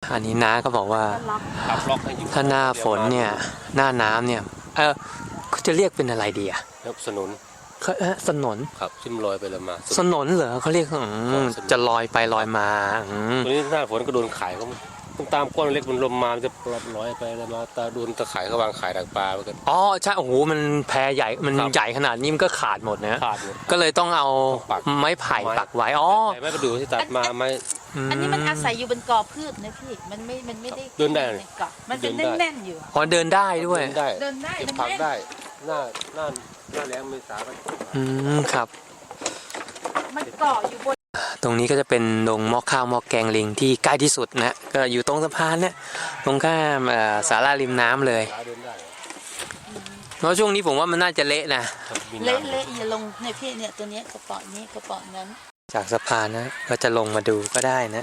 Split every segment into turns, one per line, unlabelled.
อันนี้น้าก็บอกว่าถ้าหน้าฝนเนี่ยหน้าน้ำเนี่ยเขาจะเรียกเป็นอะไรดีอะ
สนุน
สนน
ครับขึ้นลอยไปเลยมา
สนนเหรอเขาเรียกจะลอยไปลอยมา
ตัวนี้หน้าฝนก็โดนขายเขาตามก้อนเล็กมันลมมามันจะลอยไปเลยมาตาโดนตะข่ายเขาวางขายดักปลาไปกัน
อ๋อใช่โอ้โหมันแพใหญ่มันใหญ่ขนาดนี้มันก็ขาดหมดนะ
ขาดหมด
ก็เลยต้องเอาไม้ไผ่ปักไว้อ๋อ
ไม้กระดูกที่ตัดมาไม้
อันนี้มันอาศัยอยู่บนกอพืชนะพี่มันไม่ได้
เดินได้
ในเกาะมันเป็นแน่นๆอยู่
พอเดินได้ด้วย
เดินได้
เก็บผักได้หน้าแรงเมษา
ครับ
มันเกาะอยู่บน
ตรงนี้ก็จะเป็นดงหม้อข้าวหม้อแกงลิงที่ใกล้ที่สุดนะก็อยู่ตรงสะพานเนี่ยตรงข้ามศาลาริมน้ำเลยเพราะช่วงนี้ผมว่ามันน่าจะเละนะ
เละอย่าลงเนี่ยพี่เนี่ยตัวนี้กระป๋องนี้กระป๋องนั้น
จากสะพานนะก็จะลงมาดูก็ได้นะ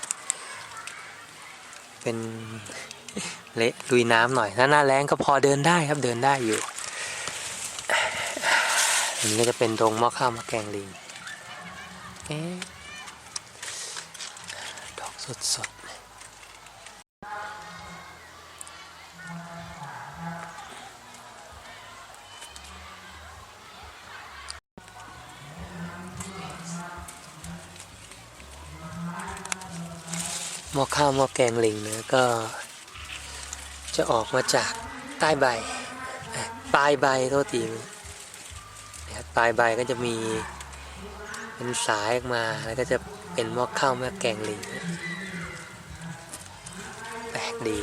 เป็นเละลุยน้ำหน่อยถ้าหน้าแล้งก็พอเดินได้ครับเดินได้อยู่อันนี้ก็จะเป็นดงหม้อข้าวหม้อแกงลิงดอกสดหม้อข้าวหม้อแกงลิงนะก็จะออกมาจากใต้ใบปลายใบโทษทีปลายใบก็จะมีเป็นสายออกมาแล้วก็จะเป็นหม้อข้าวหม้อแกงลิงแปลกดี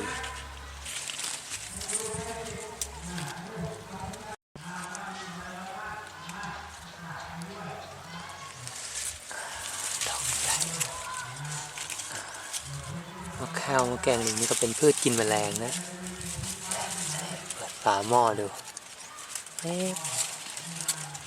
หม้อข้าวหม้อแกงลิงนี่ก็เป็นพืชกินแมลงนะเปิดฝาหม้อดู